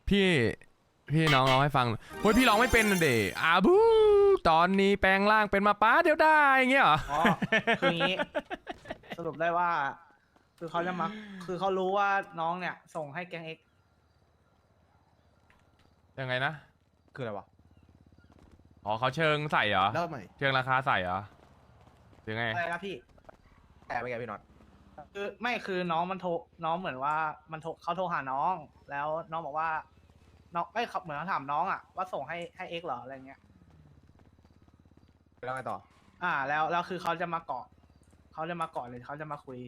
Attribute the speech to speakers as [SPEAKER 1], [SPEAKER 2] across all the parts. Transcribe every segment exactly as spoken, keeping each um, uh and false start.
[SPEAKER 1] พี่พี่น้องร้องให้ฟังเฮ้ยพี่ร้องไม่เป็นเดอาบูตอนนี้แปลงร่างเป็นมาป้าเดี๋ยวได้อย่างเงี้ยเหรอ
[SPEAKER 2] อ๋อคืองี้ สรุปได้ว่า คือเขาจะมาคือเขารู้ว่าน้องเนี่ย ส่งให้แก๊งเอ็ก
[SPEAKER 1] ยังไงนะ
[SPEAKER 3] คืออะไรวะ
[SPEAKER 1] อ๋อเขาเชิงใส่เหรอ
[SPEAKER 3] เล่าใหม่
[SPEAKER 1] เชิงราคาใส่เหรอหรือไง
[SPEAKER 2] อะไรนะพี่
[SPEAKER 3] แต่ไม่ไงพี่น็อต
[SPEAKER 2] คือไม่คือน้องมันโทรน้องเหมือนว่ามันโทรเขาโทรหาน้อง แล้วน้องบอกว่าน้องไม่เขาเหมือนเขาถามน้องอ่ะว่าส่งให้ให้เอ็กเหรออะไรเงี้ย
[SPEAKER 3] แล้วไงต่อ
[SPEAKER 2] อ่า แล้วแล้วคือเขาจะมาเกาะเขาจะมาเกาะเลยเขาจะมาคุย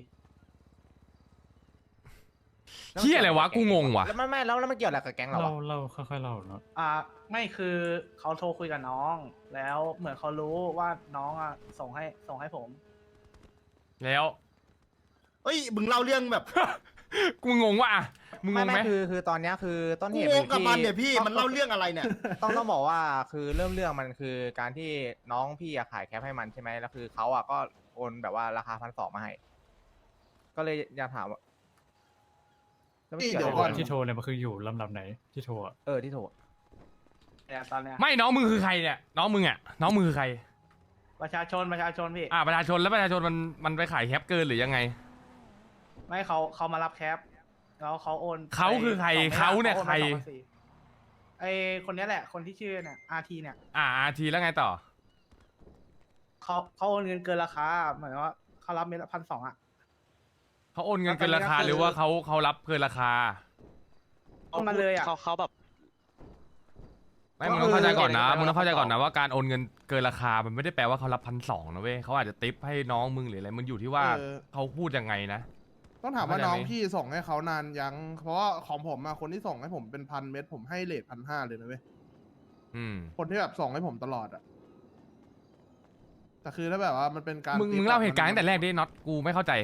[SPEAKER 1] เฮียอะไรวะกูงงว่ะ
[SPEAKER 3] แล้วไม่ไม่แล้วแล้วมันเกี่ยวอะไรกับแก๊งเรา
[SPEAKER 4] เรา
[SPEAKER 3] วะ
[SPEAKER 4] เราค่อยๆเล่าเนาะ
[SPEAKER 2] อ่าไม่คือเขาโทรคุยกับน้อง แล้วเหมือนเขารู้ว่าน้องอ่ะส่งให้ส่งให้ผม
[SPEAKER 1] แล้ว
[SPEAKER 5] เอ้ยมึงเล่าเรื่องแบบ
[SPEAKER 1] กูงงว่ะอะมึงง
[SPEAKER 3] ไม่
[SPEAKER 1] งไหม
[SPEAKER 3] ไม่คือคือตอนเนี้ยคือต้น
[SPEAKER 5] กู
[SPEAKER 3] เหตุ
[SPEAKER 5] ง
[SPEAKER 3] มั
[SPEAKER 5] งกับ
[SPEAKER 3] ที่
[SPEAKER 5] มันเนี่ยพี่มันเล่าเรื่องอะไรเนี่ย
[SPEAKER 3] ต้องต้องบอกว่าคือเริ่มเรื่องมันคือการที่น้องพี่อะขายแคปให้มันใช่ไหมแล้วคือเขาอะก็โอนแบบว่าราคาพันสองมาให้ ก็เลยอยากถามว่าแล้วมัน
[SPEAKER 5] นี่
[SPEAKER 3] เกี่ยว
[SPEAKER 5] เดี๋
[SPEAKER 3] อะ
[SPEAKER 5] ยว
[SPEAKER 3] ไร
[SPEAKER 5] ก่
[SPEAKER 3] กั
[SPEAKER 5] อน
[SPEAKER 3] น
[SPEAKER 4] ที่โทรเนี่ยมันคืออยู่ลำดับไหนที่โทรอะ
[SPEAKER 3] เออที่โทร
[SPEAKER 2] เนี่ยตอนเนี้ย
[SPEAKER 1] ไม่น้องมึงคือใครเนี่ยน้องมึงอ่ะน้องมึงคือใคร
[SPEAKER 2] ประชาชนประชาชนพี่
[SPEAKER 1] อ่าประชาชนแล้วประชาชนมันมันไปขายแคปเกินหรือยังไง
[SPEAKER 2] ไม่เขาเขามารับแคปแล้วเขาโอน
[SPEAKER 1] เขาคือใคร
[SPEAKER 2] ไปสอง
[SPEAKER 1] เขาเนี่ย
[SPEAKER 2] โอ
[SPEAKER 1] ใคร
[SPEAKER 2] มาสองพันสี่ไอคนเนี้ยแหละคนที่ชื่อเนี่ยอาร์ทีเนี่ย
[SPEAKER 1] อ่าอาทีแล้วไงต่อ
[SPEAKER 2] เขาเขาโอนเงินเกินราคาเหมือนว่าเขารับเม็ดละพันสองอ่ะ
[SPEAKER 1] เขาโอนเงินเกินราคา
[SPEAKER 2] แล้วตอนนี้ก็คือ
[SPEAKER 1] หรือว่าเขาเขารับเกินราคา
[SPEAKER 2] โอนมาเลยอ่ะ
[SPEAKER 6] เขาเขาแบบ
[SPEAKER 1] ไม่มึงต้องเข้าใจก่อนนะมึงต้องเข้าใจก่อนนะว่าการโอนเงินเกินราคามันไม่ได้แปลว่าเขารับพันสองนะเว้ยเขาอาจจะติปให้น้องมึงหรืออะไรมันอยู่ที่ว่า
[SPEAKER 7] เออ
[SPEAKER 1] เขาพูดยังไงนะ
[SPEAKER 7] ต้องถามว่า
[SPEAKER 1] เข้าใจไหม
[SPEAKER 7] น้องพี่ส่งให้เขานานยัง เพราะว่าของผมอะคนที่ส่งให้ผมเป็นพันเม็ดผมให้เลทพันห้าเลยนะเว้ย
[SPEAKER 1] อืม
[SPEAKER 7] คนที่แบบส่งให้ผมตลอดอะแต่คือถ้าแบบว่ามันเป็นการ
[SPEAKER 1] มึง
[SPEAKER 7] ติด
[SPEAKER 1] มึงเล่า
[SPEAKER 7] อะ
[SPEAKER 1] เหตุการณ์
[SPEAKER 7] มั
[SPEAKER 1] ตั้งแต่แรกดิน็อตกูไม่เข้าใจ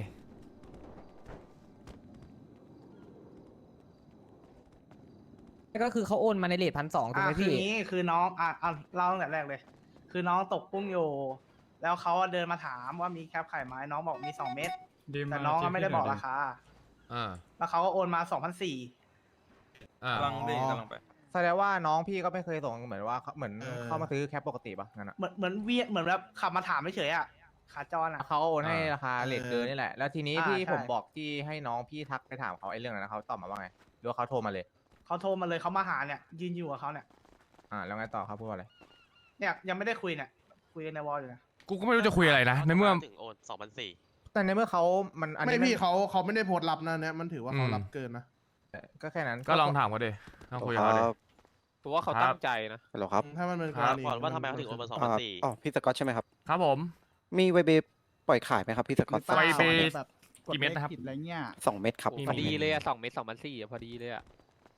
[SPEAKER 8] ก็คือเขาโอนมาในเลทพันสองถูก
[SPEAKER 2] อ่า
[SPEAKER 8] ไหม
[SPEAKER 2] คือ
[SPEAKER 8] พี่
[SPEAKER 2] งี้คือน้องอ่ะอ่ะเล่าตั้งแต่แรกเลย คือน้องตกกุ้งอยู่ แล้วเขาเดินมาถามว่ามีแคปไข่ไหมน้องบอกมีสองเม็ด
[SPEAKER 4] ดีมา
[SPEAKER 2] แต่น้องก็ไม่ได้บอกราคา
[SPEAKER 1] อ่า
[SPEAKER 2] แล้วเขาก็โอนมาสองพันสี่
[SPEAKER 1] อ่า
[SPEAKER 6] กำลังดีกำลังไป
[SPEAKER 3] แสดงว่าน้องพี่ก็ไม่เคยส่งเหมือนว่าเขาเหมือนเข้ามาซื้อแคปปกติปะงั้นอะ
[SPEAKER 2] เหมือนเหมือนเวียเหมือนแบบขับมาถามเฉยๆอ่ะขาจรอ่ะ
[SPEAKER 3] เขาโอนให้ราคาเลทเกินนี่แหละ แล้วทีนี้
[SPEAKER 2] อ่า
[SPEAKER 3] ที่
[SPEAKER 2] ใช่
[SPEAKER 3] ผมบอกที่ให้น้องพี่ทักไปถามเขาไอ้เรื่องนั้นนะเขาตอบมาว่าไงหรือว่าเขาโทรมาเลย
[SPEAKER 2] เขาโทรมาเลยเขามาหาเนี่ย ยืนอยู่กับเขาเนี่ย
[SPEAKER 3] อ่าแล้วไงต่อครับพูดว่าอะไร
[SPEAKER 2] เนี่ยยังไม่ได้คุยเนี่ย คุยในวอลอยู่นะ
[SPEAKER 1] กูก็ไม่รู้จะคุยอะไรนะในเมื่อ
[SPEAKER 6] ถึงโอนสองพันสี่
[SPEAKER 3] แต่ในเมื่อเขามันอัน
[SPEAKER 7] ไม่
[SPEAKER 3] นี้
[SPEAKER 7] พี่เขาเขาไม่ได้โพสต์รับนะเนี่ยมันถือว่าเขา
[SPEAKER 1] อืม
[SPEAKER 7] รับเกินนะ
[SPEAKER 3] ก็แค่นั้น
[SPEAKER 1] ก็ลองถามเขาดิลองคุยกับเขาดิ
[SPEAKER 6] ผมว่าเขาตั้งใจนะ
[SPEAKER 5] ฮัลโหลครับ
[SPEAKER 7] ถ้ามันเป็นก
[SPEAKER 1] ค
[SPEAKER 7] ร
[SPEAKER 1] รับ
[SPEAKER 7] ณี
[SPEAKER 6] ก่อนว่าทำไมเขาถึงโอนมาสองพันสี่
[SPEAKER 5] อ๋อพี่สกอตใช่ไหมครับ
[SPEAKER 1] ครับผม
[SPEAKER 5] มีไวเบปล่อยขายไหมครับพี่สกอต
[SPEAKER 1] ไวเบ
[SPEAKER 9] แบบ
[SPEAKER 1] กี่เม็ดนะครับ
[SPEAKER 9] ผิดอะไรเงี้ย
[SPEAKER 5] สองเม็ดครับ
[SPEAKER 1] มี
[SPEAKER 6] พอดีเลยอะสองเมตรสองพันสี่อะพอดีเลยอะ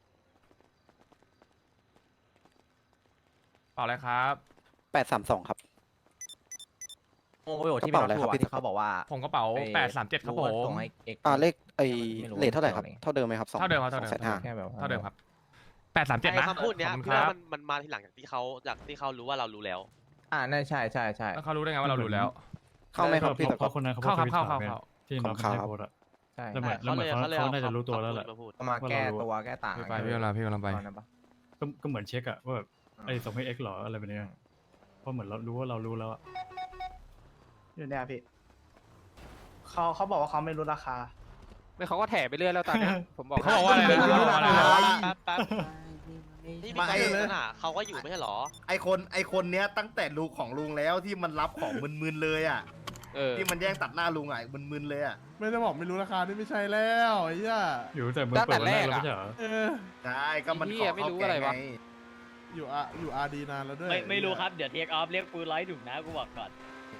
[SPEAKER 1] เปล่าอะไรครับ
[SPEAKER 5] แปดสามสองครับ
[SPEAKER 3] โอ้โหที่
[SPEAKER 5] กระเป๋าอะไร
[SPEAKER 3] พี่
[SPEAKER 5] ครับ
[SPEAKER 3] พูด
[SPEAKER 5] พี่
[SPEAKER 3] ที่เขาบอกว่า
[SPEAKER 1] ผมกระเป๋า
[SPEAKER 3] ไอ้
[SPEAKER 1] แปดสามเจ็ดครับผ
[SPEAKER 3] ว่าม ส่งให้เอก
[SPEAKER 5] อ่าเลขไอ
[SPEAKER 3] ไม่รู้
[SPEAKER 5] เลทเท่าไหร่ครับ
[SPEAKER 3] เกี่ยวอะไร
[SPEAKER 5] เท่าเดิมไหมครับสอง
[SPEAKER 1] เท่าเดิมครับเท่าเดิม
[SPEAKER 5] สองแสนห้า
[SPEAKER 3] แค่แบบ
[SPEAKER 1] เท่าเดิมครับแปดสามเจ็ดนะ
[SPEAKER 6] ไอ้คำพูดเนี้ย
[SPEAKER 1] ขอบคุณ
[SPEAKER 6] พี่
[SPEAKER 1] ค
[SPEAKER 6] ว่า
[SPEAKER 1] รับ
[SPEAKER 6] มันมันมาทีหลังจากที่เขาจากที่เขารู้ว่าเรารู้แล้ว
[SPEAKER 3] อ่านั่นใช่ใช่ใช่
[SPEAKER 1] แล้วเขารู้ได้ไงว่าเรารู้แล้ว
[SPEAKER 5] เข้าไหมครับพี่ส
[SPEAKER 4] เพ
[SPEAKER 5] กอต
[SPEAKER 4] ราะคนนั้นเขา
[SPEAKER 1] เข้าครับ
[SPEAKER 4] โพสต์
[SPEAKER 1] เข้า
[SPEAKER 4] ทวิต
[SPEAKER 1] เข้า
[SPEAKER 4] ถมไงที่น้อง
[SPEAKER 5] ขอบคุณครับ
[SPEAKER 4] ให้โพสต์อะ
[SPEAKER 3] ใช่
[SPEAKER 4] แล้วเหมือนแล้วเหมือนเขา
[SPEAKER 6] เขาเลย
[SPEAKER 4] เขาน่าจะรู้ตัวแล้วแหละ
[SPEAKER 6] มาพูด
[SPEAKER 3] เอามาแก้ตัวแก้ต่าง
[SPEAKER 1] ไปพี่กำลังพี่กำลังไป
[SPEAKER 3] ตอนนั้นปะ
[SPEAKER 4] ก็ก็เหมือนเช็คอะว่าแบบไอ้ส่งให้เอ็กหรออะไรแบบเนี้ยเพราะเหมือนเรารู้ว่าเรารู้แล้วอะ
[SPEAKER 2] อยู่เนี่ยพี่เขาเขาบอกว่าเขาไม่รู้ราคา
[SPEAKER 6] ไม่เขาก็แถไปเรื่อยแล้วตอนเนี้ยผมบอก
[SPEAKER 1] เขาบอกว่าอะไรนะเขาบอกว่าอะไรนะ
[SPEAKER 6] แป๊บแป๊บนี่
[SPEAKER 5] มา
[SPEAKER 6] นี่
[SPEAKER 5] ไอ้
[SPEAKER 6] เขาอยู่น่ะเขาก็อยู่ไม่ใช่หรอ
[SPEAKER 5] ไอคนไอคนเนี้ยตั้งแต่ลุงของลุงแล้วที่มันรับของมึนๆเลยอ่ะ
[SPEAKER 6] เออ
[SPEAKER 5] ที่มันแย่งตัดหน้าลุงอ่ะมึนๆเลยอ่ะ
[SPEAKER 7] ไม่ได้บอกไม่รู้ราคานี่ไม่ใช่แล้วไอ้เหี้ย
[SPEAKER 4] อยู่ตั้งแต่มือเปิดวันแรกแล้วไม่ใช่เหรอ
[SPEAKER 7] เออ
[SPEAKER 5] ใช่ก็มัน
[SPEAKER 6] ไอ้
[SPEAKER 5] ข
[SPEAKER 6] เหี้
[SPEAKER 5] อย
[SPEAKER 6] ไม่
[SPEAKER 5] เข้า
[SPEAKER 6] รู้
[SPEAKER 5] แก๊
[SPEAKER 6] อะไร
[SPEAKER 5] ง
[SPEAKER 6] วะ
[SPEAKER 5] ไง
[SPEAKER 7] อยู่อาอยู่อาดีนานแล้วด้วย
[SPEAKER 10] ไม่ไม่รู้ครับ เดี๋ยวเทคออฟเรียกปืนไล่ถุงนะกูบอกก่อน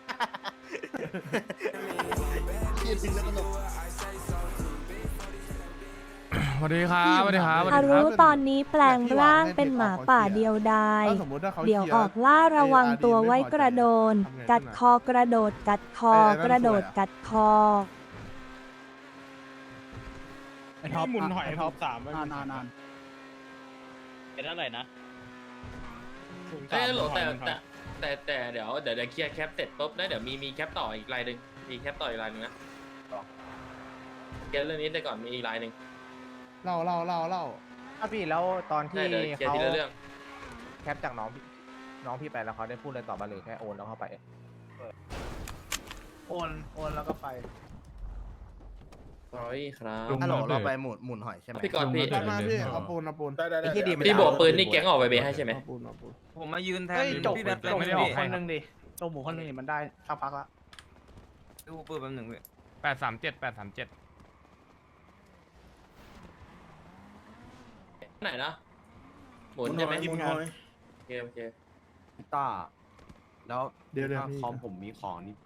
[SPEAKER 1] สวัสดีครับสวัสดีครับสวัส
[SPEAKER 11] อา
[SPEAKER 1] ดีค
[SPEAKER 11] รุ
[SPEAKER 1] รับ
[SPEAKER 11] ตอนนี้แปลงร่างเป็นหมาป่าเดียวดาย
[SPEAKER 7] ถ้าสมมติถ้าเขา
[SPEAKER 11] เดี๋ยว
[SPEAKER 7] คลี
[SPEAKER 11] ออกล่าระวังตัวไว้กระโดน
[SPEAKER 7] ทำไง
[SPEAKER 11] กัด
[SPEAKER 7] ขึ้น
[SPEAKER 11] ค
[SPEAKER 7] อะ
[SPEAKER 11] อกระโดด กัดคอ
[SPEAKER 7] เออนั่น
[SPEAKER 11] กระโดด
[SPEAKER 7] สวยอะ
[SPEAKER 11] กัดคอ
[SPEAKER 9] ไอ้ท็อป
[SPEAKER 10] หมุนหอย
[SPEAKER 9] ไอ้ท็อป
[SPEAKER 10] สาม
[SPEAKER 9] นานนานนาน
[SPEAKER 10] เป็นเท่าไหร่นะ
[SPEAKER 12] เอ้ยโหลแต่แต่แต่แต่เดี๋ยวเดี๋ยวเดี๋ยวเคลียร์แคปเสร็จปุ๊บแล้วเดี๋ยวมีมีแคปต่ออีกลายหนึ่งมีแคปต่ออีกลายหนึ่งนะเคลียร์เรื่องนี้ได้ก่อนมีอีกลายหนึ่ง
[SPEAKER 7] เล่าเล่าเล่าเล่า
[SPEAKER 3] ถ้าพี่แล้วตอนที่
[SPEAKER 12] ได้เดี๋ยวเคลียร์
[SPEAKER 3] เขา
[SPEAKER 12] ทีละเรื่อง
[SPEAKER 3] แคปจากน้องพี่น้องพี่ไปแล้วเขาได้พูดอะไรต่อมาหรือแค่โอนแล้วเข้าไป
[SPEAKER 2] โอนโอนแล้วก็ไป
[SPEAKER 12] sorry ครับ
[SPEAKER 4] ลุง
[SPEAKER 5] ฮัลโหล
[SPEAKER 4] มาเลย
[SPEAKER 5] เราไปหมุนหมุนหอยใช่ไหม
[SPEAKER 12] พี่กรณ์พี่
[SPEAKER 4] ลุง
[SPEAKER 7] มา
[SPEAKER 4] มาเลย
[SPEAKER 7] พี่เอาปูนเอาปูนได้ได้
[SPEAKER 3] ไอ้ที่ดีมัน
[SPEAKER 12] พี่บอกปืนนี่แก๊งออกไปเบให้ใช่ไหม
[SPEAKER 7] เอาปูนเอาปูน
[SPEAKER 8] ผมมายืนแทน
[SPEAKER 2] เฮ้ยจบ
[SPEAKER 8] พี่
[SPEAKER 2] จ
[SPEAKER 8] แบ
[SPEAKER 2] บบ
[SPEAKER 8] เลยไม่ได้ออก
[SPEAKER 2] ค
[SPEAKER 8] ให้
[SPEAKER 2] นหนึ่งดิจบหมูคนหนึ่งดิมันได้สักพักละ
[SPEAKER 8] ดูปืนแป๊บหนึ่งเว้ย
[SPEAKER 1] แปดสามเจ็ดแปดสามเจ็ด
[SPEAKER 12] ไหนนะหมุนใช่ไหม
[SPEAKER 7] หมุนหอย
[SPEAKER 12] โอเคโอเค
[SPEAKER 8] ต้าแล้ว
[SPEAKER 7] เดี๋ยวเดี๋ยว
[SPEAKER 8] ถ้า
[SPEAKER 7] พี่
[SPEAKER 8] คอมผมมีของนี่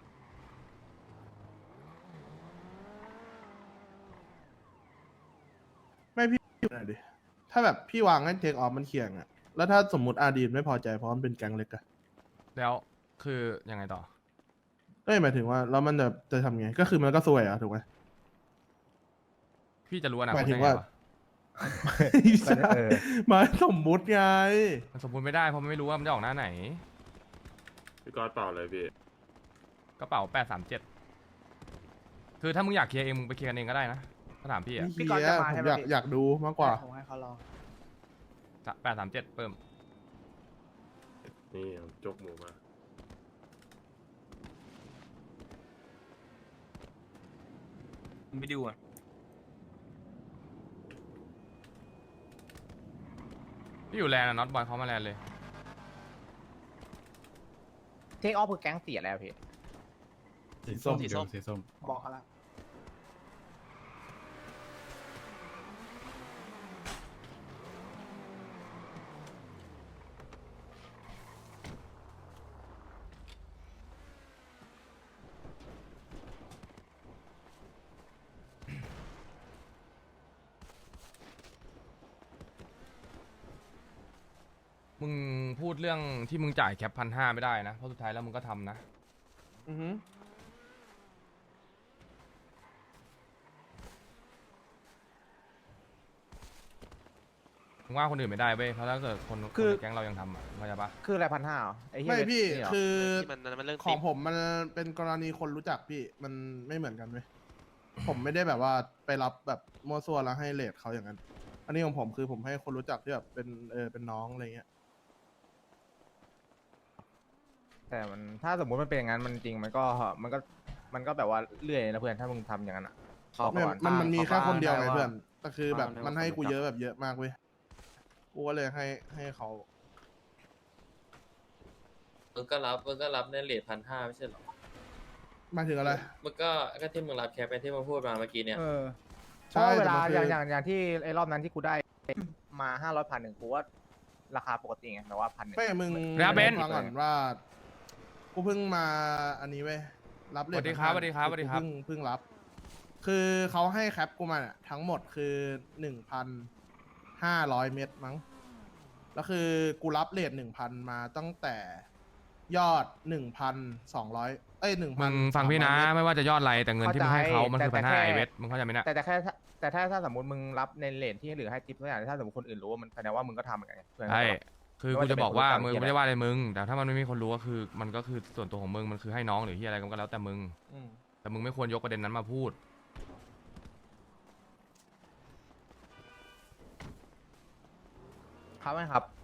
[SPEAKER 7] ไม่พี่หน่อยดิถ้าแบบพี่วางให้เทคออฟมันเคียงอะแล้วถ้าสมมติอาดีนไม่พอใจเพราะมันเป็นแก๊งเล็กอะ
[SPEAKER 1] แล้วคือยังไงต่อ
[SPEAKER 7] ก็หมายถึงว่าแล้วมันจะจะทำไงก็คือมันก็ซวยอะถูกไหม
[SPEAKER 1] พี่จะรู้อนาค
[SPEAKER 7] ห
[SPEAKER 1] ต
[SPEAKER 7] มายถึ
[SPEAKER 1] ได้
[SPEAKER 7] ง
[SPEAKER 1] ไง
[SPEAKER 7] ว่า
[SPEAKER 1] วะ
[SPEAKER 3] เออ
[SPEAKER 7] หมายสมมุติไง
[SPEAKER 1] มันสมบูรณ์ไม่ได้เพราะมันไม่รู้ว่ามันจะออกหน้าไหน
[SPEAKER 13] พี่กอดเปล่าเลยพี่
[SPEAKER 1] กระเป๋าแปดสามเจ็ดคือถ้ามึงอยากเคลียร์เองมึงไปเคลียร์กันเองก็ได้นะถ้าถามพี่อะ
[SPEAKER 7] พี่กอจะมาผมอยากอยากดูมากกว่า
[SPEAKER 2] ผมให้เขาลอง
[SPEAKER 1] แปดสามเจ็ดเพิ่ม
[SPEAKER 13] นี่เอาจกหมูมา
[SPEAKER 8] ไปดูอ่ะ
[SPEAKER 1] พี่อยู่แลนด์อะน็อตบอยเขามาแลนด์เลย
[SPEAKER 3] เทคออฟคือแก๊งเสียแล้วพี่
[SPEAKER 4] สีส้ม
[SPEAKER 2] สี
[SPEAKER 4] เดี๋
[SPEAKER 2] ส้
[SPEAKER 4] ยว
[SPEAKER 2] ม
[SPEAKER 4] สีส้ม
[SPEAKER 2] บอกเขาละ
[SPEAKER 1] มึงพูดเรื่องที่มึงจ่ายแคปพันห้าไม่ได้นะเพราะสุดท้ายแล้วมึงก็ทำนะ
[SPEAKER 7] อือฮึ
[SPEAKER 1] มึงว่าคนอื่นไม่ได้เว้ยเพราะถ้าเกิดคนคนในแก๊งเรายังทำอ่ะเข้าใจปะ
[SPEAKER 3] คืออะไรพันห้าไอ้เหี้ย
[SPEAKER 7] ไม่พี่
[SPEAKER 3] นี่เหรอ
[SPEAKER 7] คือ
[SPEAKER 6] ที่มันมันเรื่อง
[SPEAKER 7] ของ
[SPEAKER 6] ติ๊บ
[SPEAKER 7] ผมมันเป็นกรณีคนรู้จักพี่มันไม่เหมือนกันเว้ยผมไม่ได้แบบว่าไปรับแบบมั่วซั่วแล้วให้เลทเขาอย่างนั้น อันนี้ของผมคือผมให้คนรู้จักที่แบบเป็นเออเป็นน้องอะไรเงี้ย
[SPEAKER 3] แต่มันถ้าสมมุติมันเป็นอย่างนั้นมันจริงมันก็มันก็มันก็แบบว่าเลื่อยนะเพื่อนถ้ามึงทำอย่างนั้นอ่ะขอ
[SPEAKER 7] ไม่
[SPEAKER 3] ก่อน
[SPEAKER 7] มันมันมีแค่คนเดียวไง
[SPEAKER 3] ขา
[SPEAKER 7] เพื่อนแต่คือแบบ
[SPEAKER 3] ว่ามั
[SPEAKER 7] มันให้กู
[SPEAKER 3] คนรู้จัก
[SPEAKER 7] เยอะแบบเยอะมากเว้ยกูก็เลยให้ให้เขา
[SPEAKER 12] มึงก็รับมึงก็รับในเลทพันห้าไม่ใช่เหรอ
[SPEAKER 7] หมายถึงอะไร
[SPEAKER 12] มึงก็ก็ที่มึงรับแคปไปที่มึงพูดมาเมื่อกี้เนี่ย
[SPEAKER 3] เออ
[SPEAKER 7] ใช่
[SPEAKER 3] เพราะเวลา
[SPEAKER 7] แต่มันคือ
[SPEAKER 3] อย่างอย่างอย่างที่ไอ้รอบนั้นที่กูได้มาห้าร้อยพันหนึ่งกูว่าราคาปกติไงแต่ว่าพันหนึ่ง
[SPEAKER 7] ไม่มึง
[SPEAKER 1] แล้วเบนซ์
[SPEAKER 7] ฟังก่อนว่า กูเพิ่งมาอันนี้เว้ยรับเล
[SPEAKER 1] สวัสดีครับสวัสดีครับสวัสดีครับ
[SPEAKER 7] เพิ่งเพิ่งรับ คือเขาให้แคปกูมาเนี่ยทั้งหมดคือหนึ่งพันห้าร้อยเม็ดมั้งแล้วคือกูรับเลทหนึ่งพันมาตั้งแต่ยอดหนึ่งพันสองร้อยเอ้ยหนึ่ง
[SPEAKER 1] มึ
[SPEAKER 7] พัน
[SPEAKER 1] งฟังพี่นะไม่ว่าจะยอดอะไรแต่เงินที่มึงให้เขามันคือพันห้าไอเวทมึงเข้าใจไหมเนี่ย
[SPEAKER 3] แต่แต่แค่ถ้าแต่ถ้าถ้าสมมติมึงรับในเลทที่เหลือให้ทิปตัวอย่างถ้าสมมติคนอื่นรู้ว่ามันแสดงว่ามึงก็ทำเหมือนกันไงเพื่อนก็
[SPEAKER 1] ใช่
[SPEAKER 3] บอก
[SPEAKER 1] คือ
[SPEAKER 3] ไม่
[SPEAKER 1] กู
[SPEAKER 3] ว่าจะ
[SPEAKER 1] จะบอกว่า
[SPEAKER 3] เป็น
[SPEAKER 1] มึง
[SPEAKER 3] คนรู้จัก
[SPEAKER 1] ไม่ได้ว่าอะไรมึง แต่ถ้ามันไม่มีคนรู้ก็คือ มันก็คือส่วนตัวของมึงมันคือให้น้องหรือที่อะไรก็แล้วแต่มึง
[SPEAKER 7] อืม
[SPEAKER 1] แต่มึงไม่ควรยกประเด็นนั้นมาพูด
[SPEAKER 3] ครับไหมครับ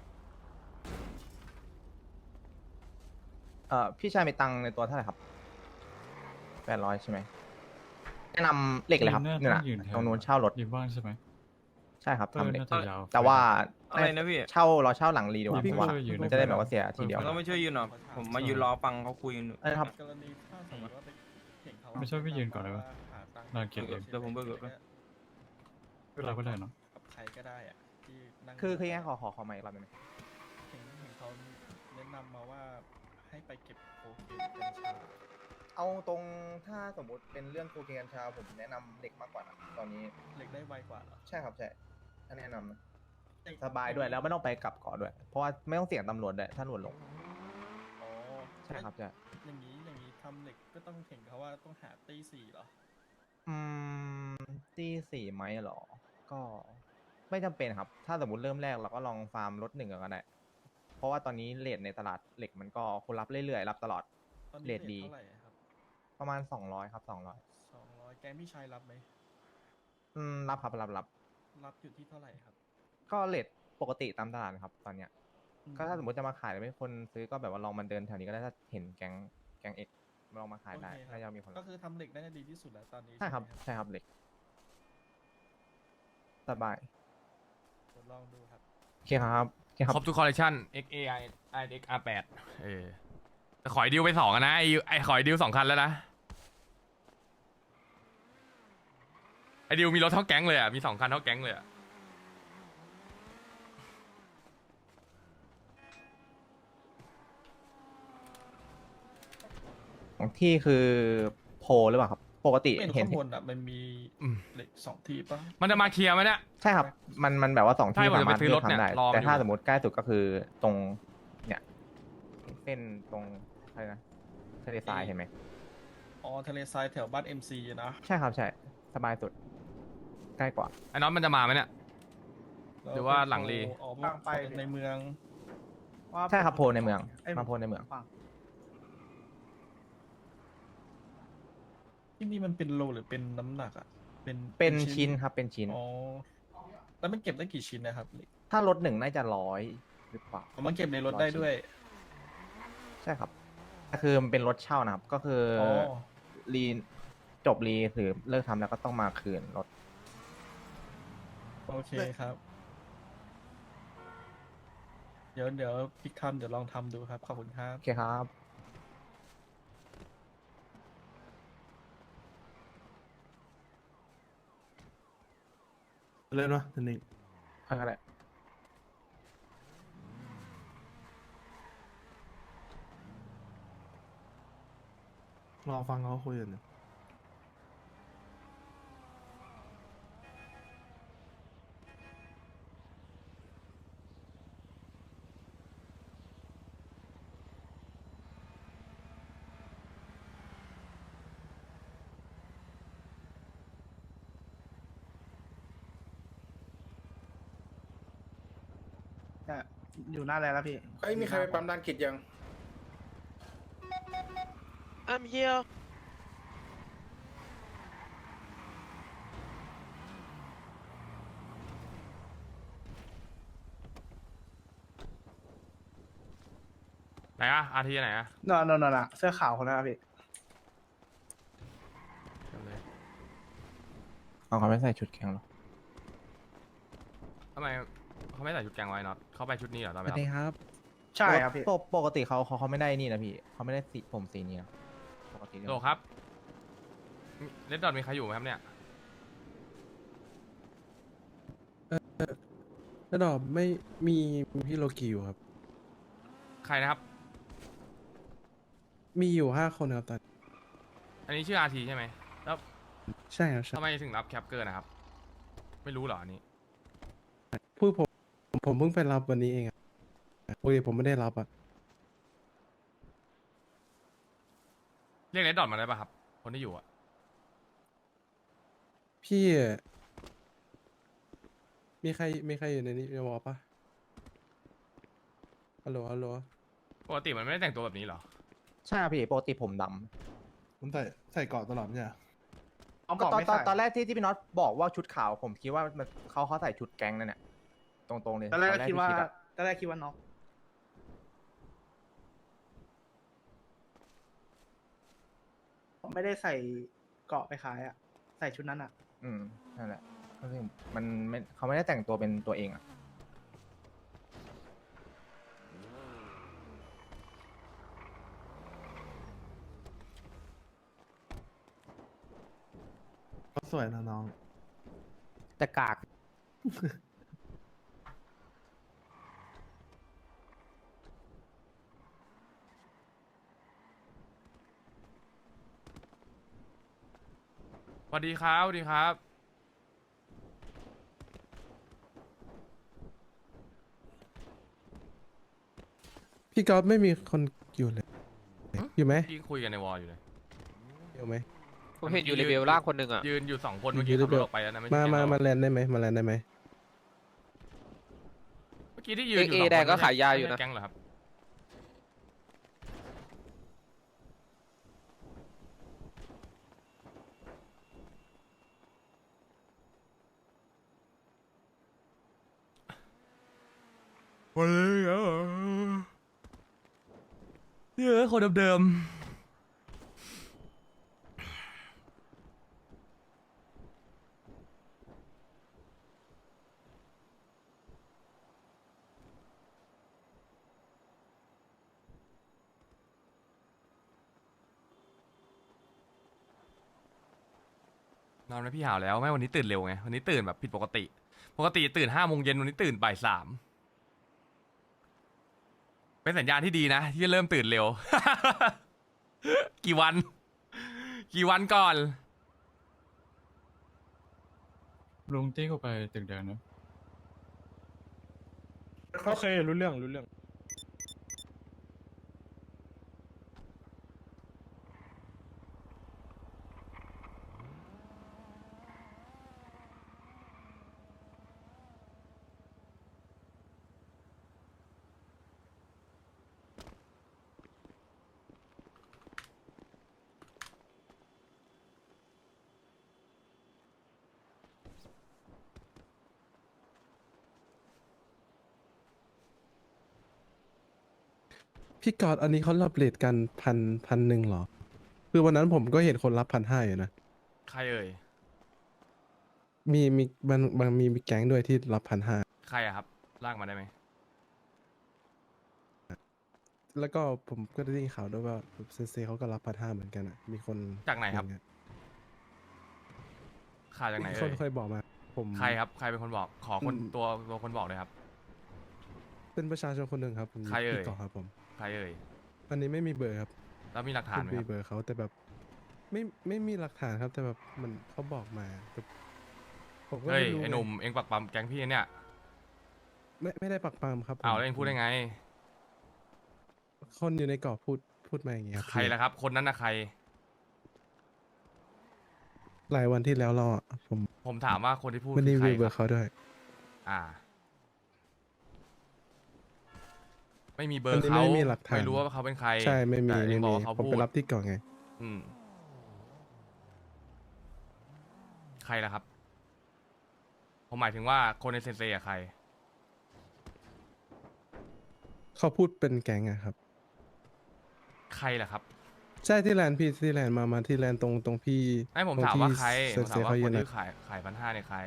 [SPEAKER 3] เอ่อพี่ชายมีตังค์ในตัวเท่าไหร่ครับแปดร้อยใช่ไหมแนะนำเหล็กเลยครับ
[SPEAKER 4] น่า
[SPEAKER 3] เนี่ยนะ
[SPEAKER 4] ยืนแถว
[SPEAKER 3] ตรงนู้นเช่ารถ
[SPEAKER 4] อยู่บ้านใช่ไหม
[SPEAKER 3] ใช่ครับ
[SPEAKER 4] เออ
[SPEAKER 3] ทำเหล็ก
[SPEAKER 4] น่าจะยาว
[SPEAKER 3] แต่ว่า
[SPEAKER 8] อะไรนะพี่
[SPEAKER 3] เช่าเราเช่าหลังรีดีกว่า
[SPEAKER 4] พี่
[SPEAKER 3] ผมว่า
[SPEAKER 4] ก็เลยอยู่ใน
[SPEAKER 3] มันจะได้แบบว่าเสียทีเดียว
[SPEAKER 8] ต้องไม่ช่วยยืนหรอผมมายืนรอฟังเขาคุยกันอยู่
[SPEAKER 3] เออครับ
[SPEAKER 9] กรณีถ้าสมมติว่าไปเห็นเขา
[SPEAKER 4] ไม่ใช่พี่ยืนก่อนเลยวะ
[SPEAKER 9] หาตังค์
[SPEAKER 4] นอนเก็บเอง
[SPEAKER 8] เดี๋ยวผมเบิกเบิก
[SPEAKER 4] เราก็ได้เนาะ
[SPEAKER 9] กับใครก็ได้อะที่นั่ง
[SPEAKER 3] คือคือยังไงขอขอขอใหม่อีกรอบได้ไหม
[SPEAKER 9] เห็นเห็นเขาแนะนำมาว่าให้ไปเก็บโคเคนกัญชา
[SPEAKER 3] เอาตรงถ้าสมมติเป็นเรื่องโคเคนกัญชาผมแนะนำเหล็กมากกว่านะตอนนี้
[SPEAKER 9] เหล็กได้ไวกว่าเหรอ
[SPEAKER 3] ใช่ครับใช่ถ้าแนะนำนะสบายด้วยแล้วไม่ต้องไปกลับเกาะด้วย เพราะว่าไม่ต้องเสี่ยงตำรวจด้วยถ้าตำรวจลง
[SPEAKER 9] อ๋อ
[SPEAKER 3] ใช่ครับใช่
[SPEAKER 9] อย่างนี้อย่างนี้ทำเหล็กก็ต้องเห็นเขาว่าต้องหาตีสี่เหรอ
[SPEAKER 3] อืมที่สี่ไหมเหรอ ก็ไม่จำเป็นครับ ถ้าสมมติเริ่มแรกเราก็ลองฟาร์มรถหนึ่งก่อนก็ได้ เพราะว่าตอนนี้เลทในตลาดเหล็กมันก็คนรับเรื่อยๆ รับตลอด
[SPEAKER 9] ตอนนี้
[SPEAKER 3] เรทดี
[SPEAKER 9] เท่าไหร่ครับ
[SPEAKER 3] ประมาณสองร้อยครับสองร้อย
[SPEAKER 9] สองร้อยแกงพี่ชายรับไหม
[SPEAKER 3] อืมรับครับรับรับ
[SPEAKER 9] รับอยู่ที่เท่าไหร่ครับ
[SPEAKER 3] ก็เลทปกติตามตลาดครับตอนเนี้ยก็ถ้าสมมติจะมาขายแล้วไม่คนซื้อก็แบบว่าลองมาเดินแถวนี้ก็ได้ถ้าเห็นแก๊งแก๊งเอ็กลองมาขายได้
[SPEAKER 9] โอเคครับ
[SPEAKER 3] น่าจะมีคน
[SPEAKER 9] ก็คือทำเหล็กน่าจะดีที่สุดแล้วตอนนี้
[SPEAKER 3] ใช่ครับ
[SPEAKER 9] ไหม
[SPEAKER 3] ใช่ครับเหล็กสบาย
[SPEAKER 9] เดี๋ยวลองดูครับ
[SPEAKER 3] โอเคครับโอเคครับ
[SPEAKER 1] ครบทุกคอลเลคชัน X A I I X R แปดเออแต่ขอไอดิวไปสองอะนะไอไอขอไอดิวสองคันแล้วนะไอดิวมีรถเท่าแก๊งเลยอ่ะมีสองคันเท่าแก๊งเลยอ่ะ
[SPEAKER 3] ของที่คือโพลหรือเปล่าครับ ปกติ
[SPEAKER 9] เป็น
[SPEAKER 3] เห็น
[SPEAKER 9] ข้างบนอ่ะมันมี
[SPEAKER 1] อืม
[SPEAKER 9] เหล็กสองที่ปะ
[SPEAKER 1] มันจะมาเคลียร์ไหมเนี่ย
[SPEAKER 3] ใช่ครับ มันมันแบบว่าสอง
[SPEAKER 1] ใช่
[SPEAKER 3] ที่
[SPEAKER 1] ผมจะ
[SPEAKER 3] สา
[SPEAKER 1] ไป
[SPEAKER 3] มารถ
[SPEAKER 1] ซื้อ
[SPEAKER 3] เลื
[SPEAKER 1] ร
[SPEAKER 3] อ
[SPEAKER 1] ถ
[SPEAKER 3] ก
[SPEAKER 1] เนี่ย
[SPEAKER 3] ทำได้
[SPEAKER 1] รอมัน
[SPEAKER 3] แต่ถ้า
[SPEAKER 1] อยู่
[SPEAKER 3] สมมติใกล้สุดก็คือตรงเนี่ยเส้นตรงอะไรนะทะเลทรายเห็นไหม
[SPEAKER 9] อ๋อทะเลทรายแถวบ้านเอ็มซีนะ
[SPEAKER 3] ใช่ครับใช่สบายสุดใกล้กว่า
[SPEAKER 1] ไอ้น็อตมันจะมาไหมเนี่ย
[SPEAKER 9] แ
[SPEAKER 1] หรือว่าหลังลี
[SPEAKER 9] อ๋อ
[SPEAKER 2] หลังไป
[SPEAKER 9] ในเมือง
[SPEAKER 2] ว่า
[SPEAKER 3] ใช่ครับโพลในเมือง
[SPEAKER 2] ไอ้
[SPEAKER 3] มาโพลในเมือง
[SPEAKER 2] ฝั่ง
[SPEAKER 9] ที่นี่มันเป็นโลหรือเป็นน้ำหนักอ่ะ เป็น
[SPEAKER 3] เป็นชิ้นครับเป็นชิ้น
[SPEAKER 9] อ๋อ แล้วมันเก็บได้กี่ชิ้นนะครับเหล็ก
[SPEAKER 3] ถ้ารถหนึ่งน่าจะร้อยหรือเปล่า
[SPEAKER 9] อ๋อมันเก็บในรถได้ด้วย
[SPEAKER 3] ใช่ครับก็คือมันเป็นรถเช่านะครับ ก็คืออ
[SPEAKER 9] อ
[SPEAKER 3] รีจบรีหรือเลิกทำแล้วก็ต้องมาคืนรถ
[SPEAKER 9] โอเคครับ เดี๋ยวเดี๋ยวพิกทำเดี๋ยวลองทำดูครับ ขอบคุณครับ
[SPEAKER 3] โอเคครับ
[SPEAKER 7] เล่นวะทีนี้
[SPEAKER 3] อะไร
[SPEAKER 7] รอฟังเขาคุยกันอยู่
[SPEAKER 2] เนี่ยอยู่หน้าแลนด์แล้วพี่
[SPEAKER 5] เอ้ยมีใครไปปั๊มด้านกิจยัง
[SPEAKER 6] I'm here
[SPEAKER 1] ไหนอะอาทีไหนอะ
[SPEAKER 2] นอนนอนนอนอะเสื้อขาวคนนั้นอะพี่
[SPEAKER 1] เดี๋ยวเลย
[SPEAKER 3] เอาเขาไม่ใส่ชุดแข่งหรอ
[SPEAKER 1] ทำไมเขาไม่ใส่ชุดแกงไว้น็อตเขาไปชุดนี้เหรอตอนไปรับ
[SPEAKER 3] ครับ
[SPEAKER 2] ใช่ครับพี่
[SPEAKER 3] ปกปกติเขาเขาเขาไม่ได้นี่นะพี่เขาไม่ได้สีผมสีนี้นะปกติ
[SPEAKER 1] โลครับเลดดอทมีใครอยู่ไหมครับเนี่ย
[SPEAKER 7] แล้วดอกไม่มีพี่โลกิอยู่ครับ
[SPEAKER 1] ใครนะครับ
[SPEAKER 7] มีอยู่ห้าคนครับตอน
[SPEAKER 1] อันนี้ชื่ออาทีใช่ไหมแล้ว
[SPEAKER 7] ใช่ครับใช่
[SPEAKER 1] ทำไมถึงรับแคปเกอร์นะครับ ไม่รู้เหรออันนี้
[SPEAKER 7] พูดผมผมเพิ่งไปรับวันนี้เองอะปกติผมไม่ได้รับอ่ะ
[SPEAKER 1] เรียกเลดดอทมาได้ป่ะครับ คนที่อยู่อะ
[SPEAKER 7] พี่ มีใครมีใครอยู่ในนี้จะบอกปะฮัลโหลฮัลโหล
[SPEAKER 1] ปกติมันไม่ได้แต่งตัวแบบนี้เหรอ
[SPEAKER 3] ใช่ครับพี่ปกติผมด
[SPEAKER 7] ผมใส่ใส่เกาะตลอดเนี่ย
[SPEAKER 2] เอา
[SPEAKER 3] ำ
[SPEAKER 2] บ
[SPEAKER 3] ก็
[SPEAKER 2] อก
[SPEAKER 3] ตอน
[SPEAKER 2] ไม่
[SPEAKER 3] ตอน
[SPEAKER 2] ใส่
[SPEAKER 3] ตอนแรกที่ที่พี่น็อตบอกว่าชุดขาวผมคิดว่ามันเขาเขาใส่ชุดแก๊งนั่นแหละตรงๆเลย
[SPEAKER 2] ตอนแรกก็คิดว่า
[SPEAKER 3] ที่อะ
[SPEAKER 2] ตอนแรกคิดว่าน็อกผมไม่ได้ใส่เกราะไปขายอะใส่ชุดนั้นอะ
[SPEAKER 3] อืมนั่นแหละก็คือมันไม่เขาไม่ได้แต่งตัวเป็นตัวเองอ่ะ
[SPEAKER 7] ก็สวยนะน้อง
[SPEAKER 3] แต่กาก
[SPEAKER 1] สวัสดีครับสวัสดีครับ
[SPEAKER 7] พี่ก๊อฟไม่มีคนอยู่เลย อยู่ไหม
[SPEAKER 1] ที่คุยกันในวอลอยู่เลย
[SPEAKER 7] อยู่ไหม
[SPEAKER 6] ผมเห็นอยู่เลเวลล่างคนหนึ่งอ่ะ
[SPEAKER 1] ยืนอยู่สองคนเมื่อกี้
[SPEAKER 7] อยู่
[SPEAKER 1] ขับร
[SPEAKER 7] เดี๋
[SPEAKER 1] ถ
[SPEAKER 7] ยว
[SPEAKER 1] ออกไปแล้วนะไม่
[SPEAKER 7] มา
[SPEAKER 1] ใช่
[SPEAKER 7] มา
[SPEAKER 1] แก๊ง
[SPEAKER 7] มา
[SPEAKER 1] เรา
[SPEAKER 7] แลนได้ไหมมาแลนได้ไหม
[SPEAKER 1] เมื่อกี้ที่ยืนอยู่สอง
[SPEAKER 6] เอ
[SPEAKER 1] คน
[SPEAKER 6] แดงก็
[SPEAKER 1] ไม่ใช่
[SPEAKER 6] ขายยาอยู่นะ
[SPEAKER 1] ไม่ใช่แก๊งเหรอครับวันนี้เหรอเยอะคนเดิมนอนไหมพี่หาวแล้วไม่วันนี้ตื่นเร็วไงวันนี้ตื่นแบบผิดปกติปกติตื่นห้าโมงเย็นวันนี้ตื่นบ่ายสามเป็นสัญญาณที่ดีนะที่เริ่มตื่นเร็ว กี่วัน กี่วันก่อน
[SPEAKER 4] ลุงตี้เข้าไปตึกแดงนะ
[SPEAKER 9] โอเครู้เรื่องรู้เรื่อง
[SPEAKER 14] พี่กอดอันนี้เขารับเรทกันพันพันหนึ่งเหรอ คือวันนั้นผมก็เห็นคนรับพันห้าอยู่นะ
[SPEAKER 1] ใครเอ่ย
[SPEAKER 14] มีมีบางบางมีมีแก๊งด้วยที่รับพันห้า
[SPEAKER 1] ใครอะครับลากมาได้ไหม
[SPEAKER 14] แล้วก็ผมก็ได้ยินข่าวด้วยว่าเซนเซเขาก็รับพันห้าเหมือนกันอ่ะ มีคน
[SPEAKER 1] จากไหนครับ
[SPEAKER 14] อย่างเงี้ย
[SPEAKER 1] ข่าวจากไหน
[SPEAKER 14] มีค
[SPEAKER 1] เอ่
[SPEAKER 14] น
[SPEAKER 1] ย
[SPEAKER 14] เคยบอกมา ผม
[SPEAKER 1] ใครครับใครเป็นคนบอกขอคน
[SPEAKER 14] อืม
[SPEAKER 1] ตัวตัวคนบอกเลยครับ
[SPEAKER 14] เป็นประชาชนคนหนึ่งครับผม
[SPEAKER 1] ใครเอ่ย
[SPEAKER 14] พี่กอดครับผม
[SPEAKER 1] ใครเอ่ย
[SPEAKER 14] อันนี้ไม่มีเบอร์ครับ
[SPEAKER 1] แล้วมีหลักฐานไหม
[SPEAKER 14] ไม่
[SPEAKER 1] ค
[SPEAKER 14] มี
[SPEAKER 1] รับ
[SPEAKER 14] เบอร์เขาแต่แบบ ไม่ไม่มีหลักฐานครับ แต่แบบมันเขาบอกมาแต่ผมก็
[SPEAKER 1] เฮ้ย
[SPEAKER 14] ไม่รู้
[SPEAKER 1] ไอ้หนุ่มเอ็งปักปั๊มแก๊งพี่เนี่ย
[SPEAKER 14] ไม่ไม่ได้ปักปามครับผม
[SPEAKER 1] เอาแล้วเอ็งพูดได้ไง
[SPEAKER 14] คนอยู่ในกรอบพูดพูดมาอย่างเงี้ยครับ
[SPEAKER 1] ใครล่ะครับ คนนั้นนะใคร
[SPEAKER 14] หลายวันที่แล้วเราอะผม
[SPEAKER 1] ผมถามว่าคนที่พูด
[SPEAKER 14] ไม่ได้
[SPEAKER 1] คือใคร
[SPEAKER 14] มีเบอ
[SPEAKER 1] ค
[SPEAKER 14] ร์
[SPEAKER 1] รับ
[SPEAKER 14] เขาด้วย
[SPEAKER 1] อ่า ไม่มีเบอ
[SPEAKER 14] อัน
[SPEAKER 1] ร์
[SPEAKER 14] นี้
[SPEAKER 1] เขา
[SPEAKER 14] ไม่มีหลักฐาน
[SPEAKER 1] ไม่รู้ว่าเขาเป็นใคร
[SPEAKER 14] ใช่ไม่มี
[SPEAKER 1] แต่เอ็
[SPEAKER 14] ไม่
[SPEAKER 1] งบอ
[SPEAKER 14] มี
[SPEAKER 1] กว่าเขา
[SPEAKER 14] ผม
[SPEAKER 1] พู
[SPEAKER 14] ไป
[SPEAKER 1] ด
[SPEAKER 14] รับที่ก่อนไง
[SPEAKER 1] อืมใครล่ะครับ ผมหมายถึงว่าคนในเซนเซอะใคร
[SPEAKER 14] เขาพูดเป็นแก๊งอะครับ
[SPEAKER 1] ใครล่ะครับ
[SPEAKER 14] ใช่ที่แลนด์พี่ที่แลนด์มามาที่แลนด์ตรงตรงพี่
[SPEAKER 1] ไอ้ผม
[SPEAKER 14] ตรง
[SPEAKER 1] ถาม
[SPEAKER 14] ที่
[SPEAKER 1] ว่าใคร
[SPEAKER 14] เซ
[SPEAKER 1] ผ
[SPEAKER 14] น
[SPEAKER 1] ม
[SPEAKER 14] เซ
[SPEAKER 1] ถามว่า
[SPEAKER 14] เขา
[SPEAKER 1] ค
[SPEAKER 14] ยื
[SPEAKER 1] น
[SPEAKER 14] น
[SPEAKER 1] ที่
[SPEAKER 14] อะ
[SPEAKER 1] ขายขายพันห้าเนี่ยใคร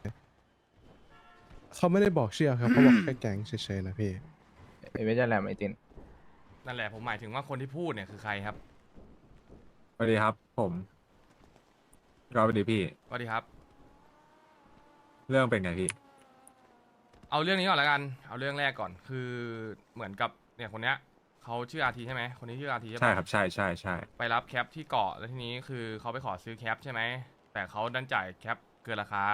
[SPEAKER 14] เขาไม่ได้บอกชื่อครับเขาบอกแค่แก๊งเฉยๆนะพี่
[SPEAKER 3] เอเวอร์แลมไอติน
[SPEAKER 1] นั่นแหละผมหมายถึงว่าคนที่พูดเนี่ยคือใครครับ
[SPEAKER 15] สวัสดีครับ ผมก็สวัสดีพี่
[SPEAKER 1] สวัสดีครับ
[SPEAKER 15] เรื่องเป็นไงพี่
[SPEAKER 1] เอาเรื่องนี้ก่อนแล้วกัน เอาเรื่องแรกก่อน คือเหมือนกับเนี่ยคนเนี้ยเขาชื่ออาทีใช่ไหม คนนี้ชื่ออาทีใช่ปะ
[SPEAKER 15] ใช่ครับใช่ใช่ใช่
[SPEAKER 1] ไปรับแคปที่เกาะแล้วทีนี้คือเขาไปขอซื้อแคปใช่ไหม แต่เขาดันจ่ายแคปเกินราคา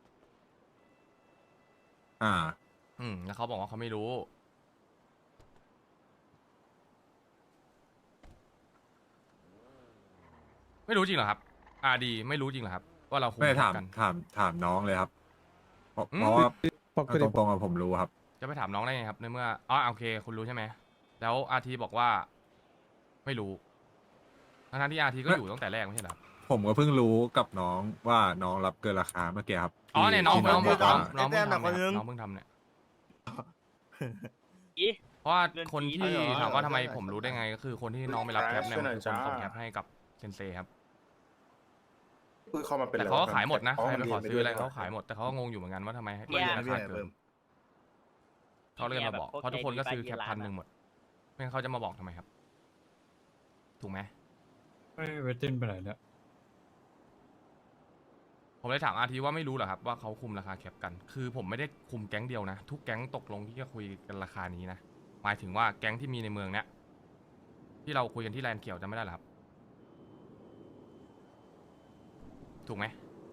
[SPEAKER 15] อ่า
[SPEAKER 1] อืม แล้วเขาบอกว่าเขาไม่รู้ ไม่รู้จริงเหรอครับ อาดีไม่รู้จริงเหรอครับ ว่าเราคุย
[SPEAKER 15] ไม่ได้ถาม
[SPEAKER 1] กัน
[SPEAKER 15] ถามถามน้องเลยครับ เพราะ
[SPEAKER 1] อืม
[SPEAKER 15] เพราะว่า
[SPEAKER 14] ปกติ
[SPEAKER 15] ตรงๆอะผมรู้ครับ
[SPEAKER 1] จะไปถามน้องได้ไงครับในเมื่ออ๋อโอเค คุณรู้ใช่ไหม แล้วอาทีบอกว่า ไม่รู้ทั้งๆที่อาทีก็อยู่ตั้งแต่แรกไม่ใช่เหรอครับ
[SPEAKER 15] ผมก็เพิ่งรู้กับน้องว่าน้องรับเกินราคาเมื่อกี้ครับ
[SPEAKER 1] อ๋อเนี่ยน้อง
[SPEAKER 15] ที่
[SPEAKER 1] น้อง
[SPEAKER 15] บ
[SPEAKER 1] บอกว่า
[SPEAKER 15] ว่า
[SPEAKER 1] น้องเพิ่ง
[SPEAKER 5] ไอ้แต้ม
[SPEAKER 1] ทำ
[SPEAKER 5] น่ะคนนึ
[SPEAKER 1] เนี่ย
[SPEAKER 5] ง
[SPEAKER 1] น้องเพิ่งทำเนี่ย
[SPEAKER 10] อี
[SPEAKER 1] เพราะว่า
[SPEAKER 10] เรื่อง
[SPEAKER 1] คน
[SPEAKER 10] จริง
[SPEAKER 1] ที่
[SPEAKER 10] เหรอ
[SPEAKER 1] ถามว่าทำไมผมรู้ได้ไง ก็คือคนที่น้องไม่รับแคปเนี่ย
[SPEAKER 13] ช่วยหน่
[SPEAKER 1] มัน
[SPEAKER 13] อย
[SPEAKER 1] คือคน
[SPEAKER 13] จ้า
[SPEAKER 1] ส่งแคปให้กับเซนเซครับ
[SPEAKER 13] อุ้ยเข้ามาเป็น
[SPEAKER 1] แต่เขาก็ขายหมดนะใครไปขอซื้ออะไรเขาขายหมดแต่เขาก็งงอยู่เหมือนกันว่าทำไมให้
[SPEAKER 10] เนี่ย
[SPEAKER 1] ราคาเกินเขาเลยมาบอกเพราะทุกคนก็ซื้อแคปพันหนึ่งหมดไม่งั้นเขาจะมาบอกทำไมครับ ถูกไหม
[SPEAKER 4] ไม่เวทตินไปไหนเนี่ย
[SPEAKER 1] ผมเลยถามอาทีว่าไม่รู้เหรอครับว่าเขาคุมราคาแคปกัน คือผมไม่ได้คุมแก๊งเดียวนะ ทุกแก๊งตกลงที่จะคุยกันราคานี้นะหมายถึงว่าแก๊งที่มีในเมืองเนี้ยที่เราคุยกันที่แลนด์เขียวจะไม่ได้เหรอครับ ถูกไหม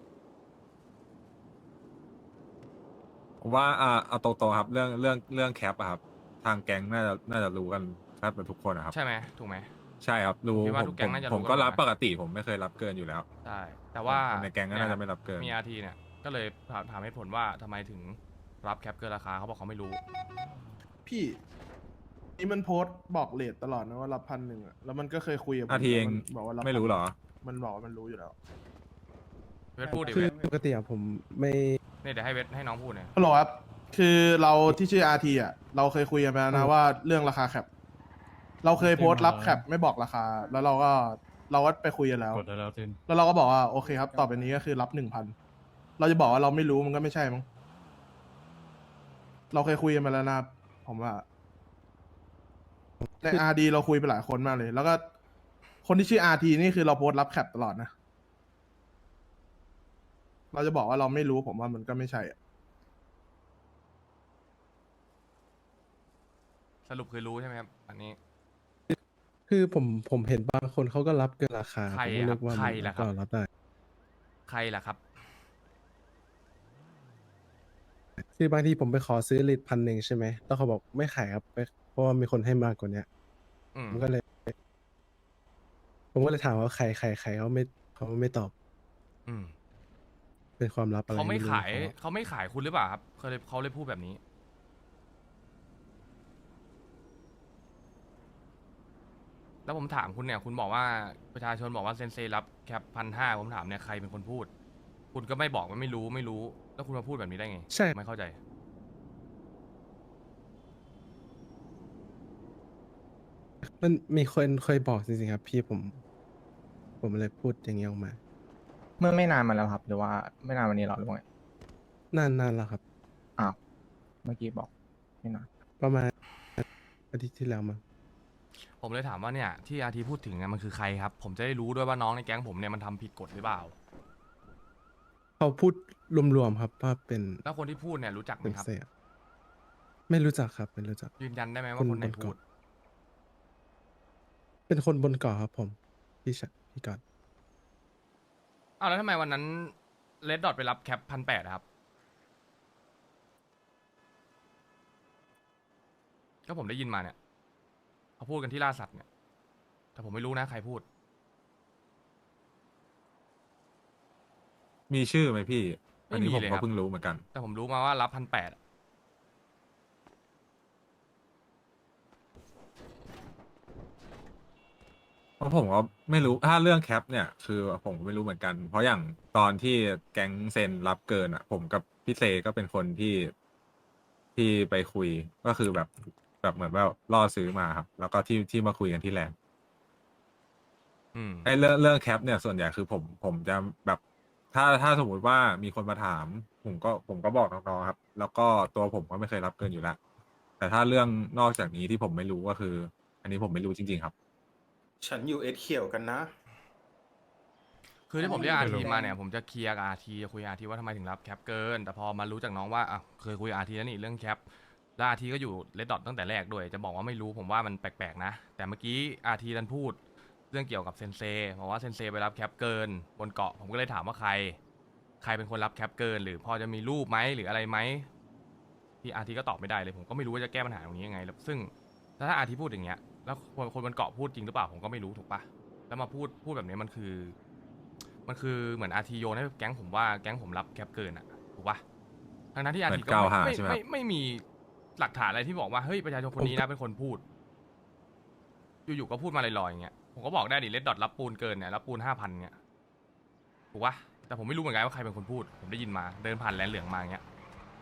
[SPEAKER 15] ผมว่าอ่าเอาตรงๆครับ เรื่องเรื่องเรื่องแคปอะครับ ทางแก๊งน่าจะน่าจะรู้กันแทบเป็นทุกคนนะครับ
[SPEAKER 1] ใช่ไหมถูกไหม
[SPEAKER 15] ใช่ครับรู้
[SPEAKER 1] ผมคิดว่า
[SPEAKER 15] ผม
[SPEAKER 1] ทุกแก๊
[SPEAKER 15] ผ
[SPEAKER 1] ง
[SPEAKER 15] ม
[SPEAKER 1] น่าจะ
[SPEAKER 15] ผม
[SPEAKER 1] รู้
[SPEAKER 15] ก็
[SPEAKER 1] กัน
[SPEAKER 15] รับ
[SPEAKER 1] นะ
[SPEAKER 15] ปกติผมไม่เคยรับเกินอยู่แล้ว
[SPEAKER 1] ใช่แต่ว่า
[SPEAKER 15] คนในแก๊งก็น่าจะไม่รับเกิน
[SPEAKER 1] มีอาทีเนี่ยก็เลยถามถามให้ผลว่าทำไมถึงรับแคปเกินราคาเขาบอกเขาไม่รู้
[SPEAKER 7] พี่นี่มันโพสต์บอกเลทตลอดนะว่ารับพันหนึ่งอะแล้วมันก็เคยคุยกับผม
[SPEAKER 15] อาทีเอง
[SPEAKER 7] มันบอกว่ารับ
[SPEAKER 15] ไม่รู้เหรอ
[SPEAKER 7] มันบอกว่ามันรู้อยู่แล้ว
[SPEAKER 1] เวทพูดดิ
[SPEAKER 14] คื
[SPEAKER 1] เว
[SPEAKER 14] อ
[SPEAKER 1] ท
[SPEAKER 14] ปกติอะผมไม่
[SPEAKER 1] เนี่ยเดี๋ยวให้เวทให้น้องพูดเนี่ย
[SPEAKER 7] ฮัลโหลครับ คือเราที่ชื่ออาทีอ่ะเราเคยคุยกันไปแล้วนะว่าเรื่องราคาแคปเราเคยโพสต์รับแคปไม่บอกราคา แล้วเราก็เราก็ไปคุยกันแล้ว
[SPEAKER 4] กดได้แล้วจิน
[SPEAKER 7] แล้วเราก็บอกว่าโอเคครับ ต่อไปนี้ก็คือรับหนึ่งพันเราจะบอกว่าเราไม่รู้มันก็ไม่ใช่มั้งเราเคยคุยกันมาแล้วนะผมว่าในอาร์ดีเราคุยไปหลายคนมากเลย แล้วก็คนที่ชื่ออาร์ทีนี่คือเราโพสต์รับแคปตลอดนะเราจะบอกว่าเราไม่รู้ผมว่ามันก็ไม่ใช่อะ
[SPEAKER 1] สรุปคือรู้ใช่ไหมครับ อันนี้
[SPEAKER 14] คือผมผมเห็นบางคนเขาก็รับเกินราคา
[SPEAKER 1] ใคร
[SPEAKER 14] ผมก็
[SPEAKER 1] อะ
[SPEAKER 14] นึกว่า
[SPEAKER 1] ใคร
[SPEAKER 14] มัน
[SPEAKER 1] ล่ะครับ
[SPEAKER 14] ก็รับได้
[SPEAKER 1] ใครล่ะครับ
[SPEAKER 14] คือบางทีผมไปขอซื้อลิตรพันหนึ่งใช่ไหมแล้วเขาบอกไม่ขายครับไปเพราะว่ามีคนให้มากกว่าเนี้ย
[SPEAKER 1] อืม
[SPEAKER 14] ผมก็เลย ผมก็เลยถามว่าใครใครใครเขาไม่เขาไม่ตอบ
[SPEAKER 1] อืม
[SPEAKER 14] เป็นความลับอะไร
[SPEAKER 1] เขาไม่
[SPEAKER 14] รู้
[SPEAKER 1] ขาย
[SPEAKER 14] ของ
[SPEAKER 1] เขาไม่ขายคุณหรือเปล่าครับเขาเลยเขาเลยพูดแบบนี้ แล้วผมถามคุณเนี่ย คุณบอกว่าประชาชนบอกว่าเซนเซรับแคปพันห้าผมถามเนี่ยใครเป็นคนพูด คุณก็ไม่บอกว่าไม่รู้ไม่รู้ แล้วคุณมาพูดแบบนี้ได้ไง
[SPEAKER 14] ใช่
[SPEAKER 1] ไม่เข้าใจ
[SPEAKER 14] มันมีคนเคยบอกจริงๆครับ พี่ผม ผมเลยพูดอย่างนี้ออกมา
[SPEAKER 3] เมื่อไม่นานมาแล้วครับ หรือว่าไม่นานวันนี้หรอหรือว่าไง
[SPEAKER 14] นานนานแล้วครับ
[SPEAKER 3] อ้าวเมื่อกี้บอกไม่นาน
[SPEAKER 14] ประมาณอาทิตย์ที่แล้วมั้ง
[SPEAKER 1] ผมเลยถามว่าเนี่ยที่อาทีพูดถึงเนี่ยมันคือใครครับ ผมจะได้รู้ด้วยว่าน้องในแก๊งผมเนี่ยมันทำผิดกฎหรือเปล่า
[SPEAKER 14] เขาพูดรวมๆครับว่าเป็น
[SPEAKER 1] แล้วคนที่พูดเนี่ยรู้จักไหม
[SPEAKER 14] เป็น
[SPEAKER 1] ครับ
[SPEAKER 14] เสียไม่รู้จักครับ ไม่รู้จัก
[SPEAKER 1] ยืนยันได้ไหม
[SPEAKER 14] ค
[SPEAKER 1] ว่าน คนไหน
[SPEAKER 14] บนเกาะ
[SPEAKER 1] พูด
[SPEAKER 14] เป็นคนบนเกาะครับ ผมพี่ชะพี่กอด
[SPEAKER 1] อ้าวแล้วทำไมวันนั้นเลดดอทไปรับแคปพันแปดครับ ก็ผมได้ยินมาเนี่ยเขาพูดกันที่ล่าสัตว์เนี่ย แต่ผมไม่รู้นะใครพูด
[SPEAKER 15] มีชื่อไหมพี่ อันนี้
[SPEAKER 1] ไม่มี
[SPEAKER 15] ผม
[SPEAKER 1] เลย
[SPEAKER 15] ก็
[SPEAKER 1] ครับ
[SPEAKER 15] เพิ่งรู้เหมือนกัน
[SPEAKER 1] แต่ผมรู้มาว่ารับพันแปด
[SPEAKER 15] เพราะผมก็ไม่รู้ถ้าเรื่องแคปเนี่ยคือผมก็ไม่รู้เหมือนกัน เพราะอย่างตอนที่แก๊งเซนรับเกินอ่ะ ผมกับพี่เซก็เป็นคนที่ที่ไปคุยก็คือแบบแบบเหมือนว่าล่อซื้อมาครับ แล้วก็ที่ที่มาคุยกันที่แลนด์
[SPEAKER 1] อืม
[SPEAKER 15] ไอ้เรื่องเรื่องแคปเนี่ยส่วนใหญ่คือผมผมจะแบบถ้าถ้าสมมุติว่ามีคนมาถาม ผมก็ผมก็บอกน้องๆครับ แล้วก็ตัวผมก็ไม่เคยรับเกินอยู่แล้ว แต่ถ้าเรื่องนอกจากนี้ที่ผมไม่รู้ก็คือ อันนี้ผมไม่รู้จริงๆครับ
[SPEAKER 13] ฉันอยู่เอสเขียวกันนะ
[SPEAKER 1] คือที่ผมเรียกอา
[SPEAKER 4] ไม่รู้
[SPEAKER 1] ทีมาเนี่ยผมจะเคลียร์กับอาทีคุยอาทีว่าทำไมถึงรับแคปเกิน แต่พอมารู้จากน้องว่าอ่ะเคยคุยอาทีแล้วนี่เรื่องแคปแล้วอาทีก็อยู่เลดดอทตั้งแต่แรกด้วย จะบอกว่าไม่รู้ผมว่ามันแปลกๆนะ แต่เมื่อกี้อาทีดันพูดเรื่องเกี่ยวกับเซนเซบอกว่าเซนเซไปรับแคปเกินบนเกาะผมก็เลยถามว่าใคร ใครเป็นคนรับแคปเกิน หรือพอจะมีรูปไหมหรืออะไรไหมที่อาทีก็ตอบไม่ได้เลยผมก็ไม่รู้ว่าจะแก้ปัญหาตรงนี้ยังไงแล้วซึ่งถ้าอาทีพูดอย่างเงี้ยแล้วคนคนบนเกาะพูดจริงหรือเปล่าผมก็ไม่รู้ถูกปะแล้วมาพูดพูดแบบนี้มันคือ มันคือเหมือนอาทีโยนให้แก๊งผมว่าแก๊งผมรับแคปเกินอะถูกปะทั้งนั้นที่อาทีก็
[SPEAKER 15] เหมือนกล่าวหา
[SPEAKER 1] ไม่
[SPEAKER 15] ใช่ไหม
[SPEAKER 1] ไม่ไม่ไม่มีหลักฐานอะไรที่บอกว่าเฮ้ยประชาชนคนนี้นะเป็นคนพูด อยู่ๆก็พูดมาลอยๆอย่างเงี้ยผมก็บอกได้ดิเลดดอทรับปูนเกินเนี่ยรับปูนห้าพันเนี่ยถูกปะแต่ผมไม่รู้เหมือนกันว่าใครเป็นคนพูด ผมได้ยินมาเดินผ่านแลนเหลืองมาอย่างเงี้ย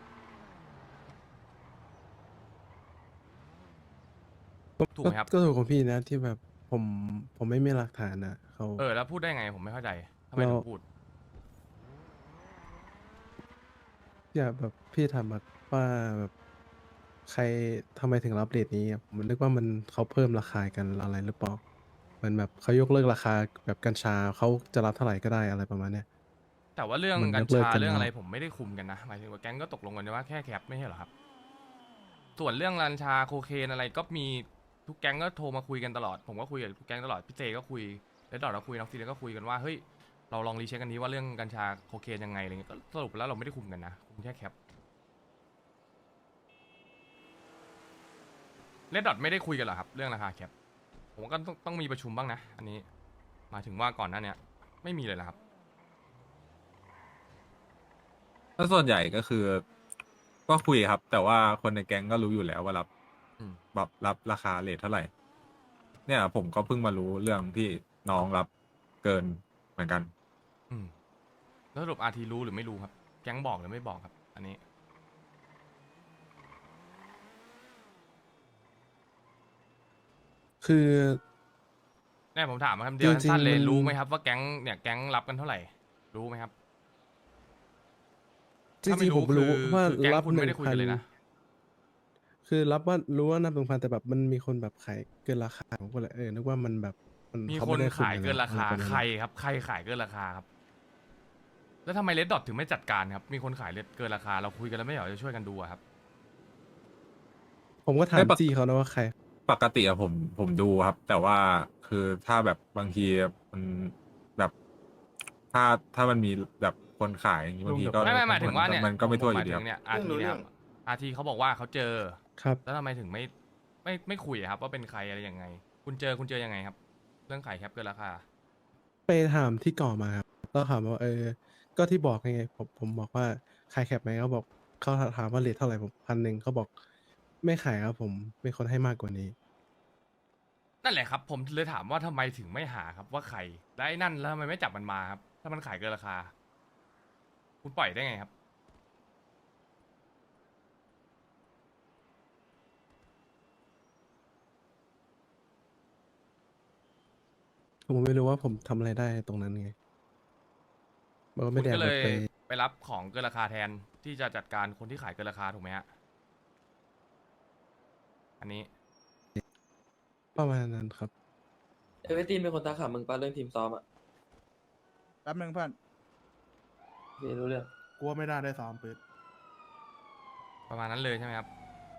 [SPEAKER 1] ถูกไหมครับ
[SPEAKER 14] ก็ถูกของพี่นะที่แบบผมผมไม่มีหลักฐานนะเขา
[SPEAKER 1] เออแล้วพูดได้ไงผมไม่เข้าใจทำไมถึงพูด
[SPEAKER 14] อย่าแบบพี่ถามแบบว่าแบบใครทำไมถึงรับเรทนี้อะผมนึกว่ามันเขาเพิ่มราคากันอะไรหรือเปล่าเหมือนแบบเขายกเลิกราคาแบบกัญชาเขาจะรับเท่าไหร่ก็ได้อะไรประมาณเนี้ย
[SPEAKER 1] แต่ว่าเรื่อง
[SPEAKER 14] มัน
[SPEAKER 1] กัญ
[SPEAKER 14] ยกเลิก
[SPEAKER 1] ชา
[SPEAKER 14] กัน
[SPEAKER 1] เรื่องอะไร
[SPEAKER 14] แล้ว
[SPEAKER 1] ผมไม่ได้คุมกันนะหมายถึงว่าแก๊งก็ตกลงกันว่าแค่แคปไม่ใช่เหรอครับ ส่วนเรื่องกัญชาโคเคนอะไรก็มีทุกแก๊งก็โทรมาคุยกันตลอดผมก็คุยกับทุกแก๊งตลอดพี่เจก็คุยแล้วดอดเราคุยน้องซีเลก็คุยกันว่าเฮ้ยเราลองรีเช็คกันนี้ว่าเรื่องกัญชาโคเคนยังไงอะไรเงี้ยก็สรุปแล้วเราไม่ได้คุมกันนะคุมแค่แคปเลดดอทไม่ได้คุยกันเหรอครับเรื่องราคาแคปผมก็ต้องต้องมีประชุมบ้างนะอันนี้หมายถึงว่าก่อนหน้าเนี้ยไม่มีเลยนะครับ
[SPEAKER 15] ถ้าส่วนใหญ่ก็คือ ก็คุยครับ แต่ว่าคนในแก๊งก็รู้อยู่แล้วว่ารับ
[SPEAKER 1] อืม
[SPEAKER 15] แบบรับราคาเรทเท่าไหร่ เนี่ย ผมก็เพิ่งมารู้เรื่องที่น้องรับเกินเหมือนกัน
[SPEAKER 1] อืมแล้วสรุปอาทีรู้หรือไม่รู้ครับ แก๊งบอกหรือไม่บอกครับ อันนี้
[SPEAKER 14] คือ
[SPEAKER 1] แน่ผมถามมาคำเดียว
[SPEAKER 14] จริงๆ
[SPEAKER 1] สั้นๆเลย
[SPEAKER 14] มัน
[SPEAKER 1] รู้ไหมครับว่าแก๊งเนี่ยแก๊งรับกันเท่าไหร่ รู้ไหมครับ
[SPEAKER 14] จริงๆผมรู้
[SPEAKER 1] คือ
[SPEAKER 14] ว่า
[SPEAKER 1] คือแก๊ง
[SPEAKER 14] รับ
[SPEAKER 1] คุณ
[SPEAKER 14] ห
[SPEAKER 1] ไม่
[SPEAKER 14] นึ่
[SPEAKER 1] ได้
[SPEAKER 14] ง
[SPEAKER 1] คุย
[SPEAKER 14] พั
[SPEAKER 1] กัน นเลยนะ
[SPEAKER 14] คือรับว่ารู้ว่านับหนึ่งพันแต่แบบมันมีคนแบบขายเกินราคาผมก็เลยเออนึกว่ามันแบบมัน
[SPEAKER 1] มี
[SPEAKER 14] เขา
[SPEAKER 1] ค
[SPEAKER 14] ไม่
[SPEAKER 1] น
[SPEAKER 14] ได้
[SPEAKER 1] ขายเกินราคา
[SPEAKER 14] อะไรประมณ
[SPEAKER 1] ใครครับ ใครขายเกินราคาครับ แล้วทำไมเลดดอทถึงไม่จัดการครับ มีคนขายเกินราคาเราคุยกันแล้วไม่เหรอจะช่วยกันดูอะครับ
[SPEAKER 14] ผมก็ถามจี้เขานะว่าใคร
[SPEAKER 15] ปกติอะผมผมดูครับ แต่ว่าคือถ้าแบบบางทีมันแบบ ถ้าถ้ามันมีแบบคนขายอย่างงี้บางทีก็
[SPEAKER 1] ไม่ไม่หมายถึงว่าเนี่ย
[SPEAKER 15] มันก็ไม่
[SPEAKER 1] ผ
[SPEAKER 15] ทั่วอ
[SPEAKER 1] หมา
[SPEAKER 15] ยู่
[SPEAKER 1] ย
[SPEAKER 15] ดี
[SPEAKER 1] ถึ
[SPEAKER 15] ครับ
[SPEAKER 1] งเนี่ยอาทีเนี่ยครับอาทีเขาบอกว่าเขาเจอ
[SPEAKER 14] ครับ
[SPEAKER 1] แล้วทำไมถึงไม่ไม่ไม่คุยอะครับ ว่าเป็นใครอะไรยังไง คุณเจอคุณเจอยังไงครับ เรื่องขายแคปเกินราคา
[SPEAKER 14] ไปถามที่ก่อมาครับแล้วถามว่าเออ ก็ที่บอกไงผมผมบอกว่าขายแคปไหมเขาบอกเขาถามว่าเรทเท่าไหร่ผมพันหนึ่งเขาบอกไม่ขายครับผมเป็นคนให้มากกว่านี้
[SPEAKER 1] นั่นแหละครับ ผมเลยถามว่าทำไมถึงไม่หาครับว่าใครแล้วไอ้นั่นแล้วทำไมไม่จับมันมาครับ ถ้ามันขายเกินราคา คุณปล่อยได้ไงครับ
[SPEAKER 14] ผมไม่รู้ว่าผมทำอะไรได้ตรงนั้นไงมันก็
[SPEAKER 1] คุ
[SPEAKER 14] ไม่
[SPEAKER 1] ณ
[SPEAKER 14] ได้
[SPEAKER 1] ก็
[SPEAKER 14] เอา
[SPEAKER 1] เล
[SPEAKER 14] รถ
[SPEAKER 1] ย
[SPEAKER 14] ไป
[SPEAKER 1] ไปรับของเกินราคาแทนที่จะจัดการคนที่ขายเกินราคาถูกไหมฮะ อันนี้
[SPEAKER 14] ประมาณนั้นครับ
[SPEAKER 6] เอเวอร์ตีนเป็นคนตาขามึงป้าเรื่องทีมซ้อมอ่ะ
[SPEAKER 7] แป๊บนึงเพื่อน
[SPEAKER 6] พี่รู้เรื่อง
[SPEAKER 7] กลัวไม่น่าได้ซ้อมปืน
[SPEAKER 1] ประมาณนั้นเลยใช่ไหมครับ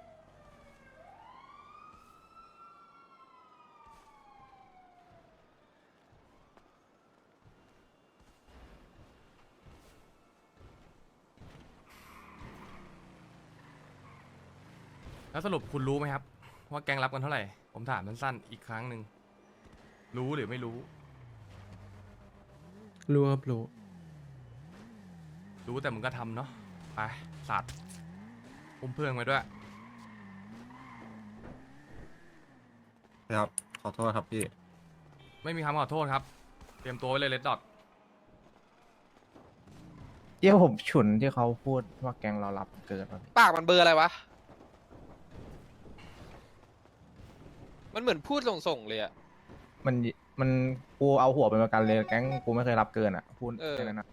[SPEAKER 1] แล้วสรุปคุณรู้ไหมครับ ว่าแก๊งรับกันเท่าไหร่ ผมถามสั้นๆอีกครั้งหนึ่ง รู้หรือไม่รู้
[SPEAKER 14] รู้ครับรู้
[SPEAKER 1] รู้แต่มึงก็ทำเนาะ ไป สัตว์อุ้มเพื่อนไว้ด้วย
[SPEAKER 15] ครับ ขอโทษครับพี่
[SPEAKER 1] ไม่มีคำขอโทษครับ เตรียมตัวไว้เลยเลดดอท
[SPEAKER 3] เที่ยวผมฉุนที่เขาพูดว่าแกงเรารับเกิน
[SPEAKER 6] ปากมันเบอร์อะไรวะ มันเหมือนพูดส่งๆเลยอะ
[SPEAKER 3] มันมันกูเอาหัวเป็นประกันเลยแก๊งกูไม่เคยรับเกินอ่ะพูด
[SPEAKER 6] เออ
[SPEAKER 3] แค่นั้นนะ